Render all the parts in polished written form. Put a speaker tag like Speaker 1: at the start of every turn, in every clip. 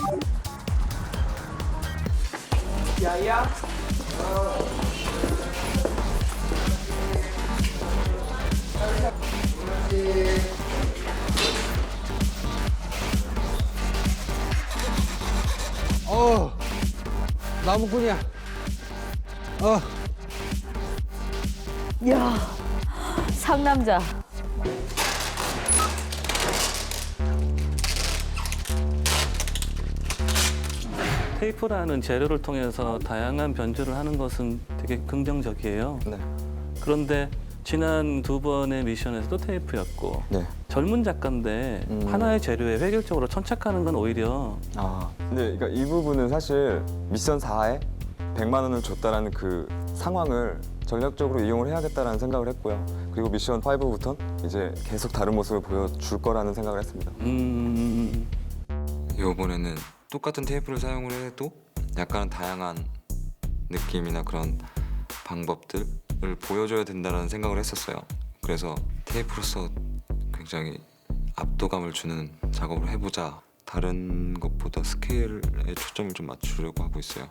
Speaker 1: 야야.
Speaker 2: 나무꾼이야.
Speaker 3: 야, 상남자.
Speaker 4: 테이프라는 재료를 통해서 다양한 변주를 하는 것은 되게 긍정적이에요.
Speaker 5: 네.
Speaker 4: 그런데 지난 두 번의 미션에서도 테이프였고
Speaker 5: 네.
Speaker 4: 젊은 작가인데 하나의 재료에 획일적으로 천착하는 건 오히려
Speaker 5: 근데 그러니까 이 부분은 사실 미션 4에 100만 원을 줬다라는 그 상황을 전략적으로 이용을 해야겠다라는 생각을 했고요. 그리고 미션 5부터는 이제 계속 다른 모습을 보여줄 거라는 생각을 했습니다.
Speaker 6: 이번에는 똑같은 테이프를 사용을 해도 약간 다양한 느낌이나 그런 방법들을 보여줘야 된다는 생각을 했었어요. 그래서 테이프로서 굉장히 압도감을 주는 작업을 해보자. 다른 것보다 스케일에 초점을 좀 맞추려고 하고 있어요.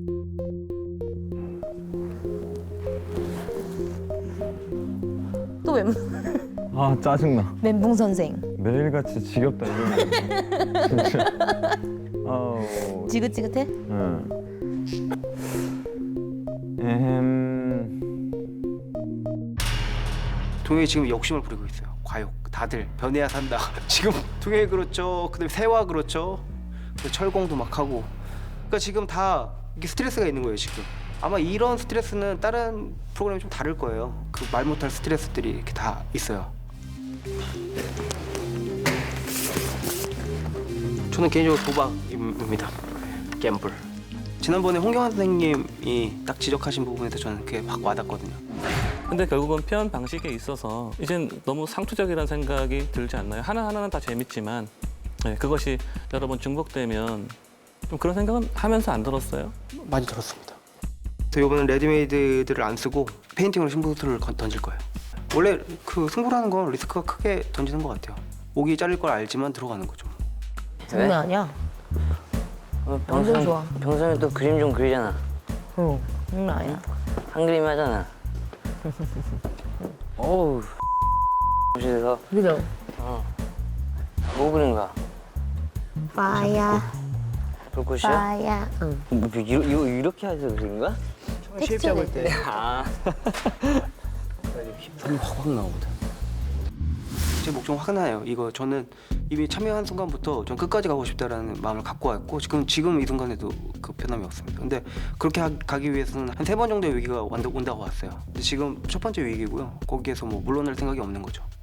Speaker 3: 또
Speaker 2: 아 짜증나.
Speaker 3: 멘붕 선생.
Speaker 2: 매일같이 지겹다 이거는. 진짜. 아우.
Speaker 3: 지긋지긋해?
Speaker 2: 응.
Speaker 1: 동혁이 지금 욕심을 부리고 있어요. 과욕. 다들 변해야 산다. 지금 동혁이 그렇죠. 그다음에 세화 그렇죠. 그리고 철공도 막 하고. 그러니까 지금 다 이게 스트레스가 있는 거예요 지금. 아마 이런 스트레스는 다른 프로그램이 좀 다를 거예요. 그 말 못할 스트레스들이 이렇게 다 있어요. 저는 개인적으로 도박입니다. 갬블. 지난번에 홍경환 선생님이 딱 지적하신 부분에서 저는 그게 확 와닿거든요.
Speaker 4: 근데 결국은 표현 방식에 있어서 이젠 너무 상투적이라는 생각이 들지 않나요? 하나하나는 다 재밌지만 그것이 여러 번 중복되면 좀 그런 생각은 하면서 안 들었어요?
Speaker 1: 많이 들었습니다. 저 이번엔 레디메이드들을 안 쓰고 페인팅으로 승부수를 던질 거예요. 원래 그 승부라는 건 리스크가 크게 던지는 것 같아요. 목이 잘릴 걸 알지만 들어가는 거죠.
Speaker 3: 장난 아니야. 완전 좋아.
Speaker 7: 평소에 또 그림 좀 그리잖아.
Speaker 3: 응, 장난 아니야.
Speaker 7: 한 그림 하잖아. 어우, 그래서
Speaker 3: 그죠?
Speaker 7: 뭐 그린 거야?
Speaker 3: 빠야,
Speaker 7: 불꽃이야?
Speaker 3: 빠야. 응.
Speaker 7: 뭐, 이렇게 해서 그린 거야?
Speaker 1: 쉐입 잡을 때
Speaker 7: 아,
Speaker 1: 힘이 확 나오거든. 제 목 좀 화가 나요. 이거 저는 이미 참여한 순간부터 전 끝까지 가고 싶다라는 마음을 갖고 왔고 지금 이 순간에도 그 변함이 없습니다. 근데 그렇게 가기 위해서는 한 3번 정도의 위기가 온다고 왔어요. 근데 지금 첫 번째 위기고요. 거기에서 뭐 물러날 생각이 없는 거죠.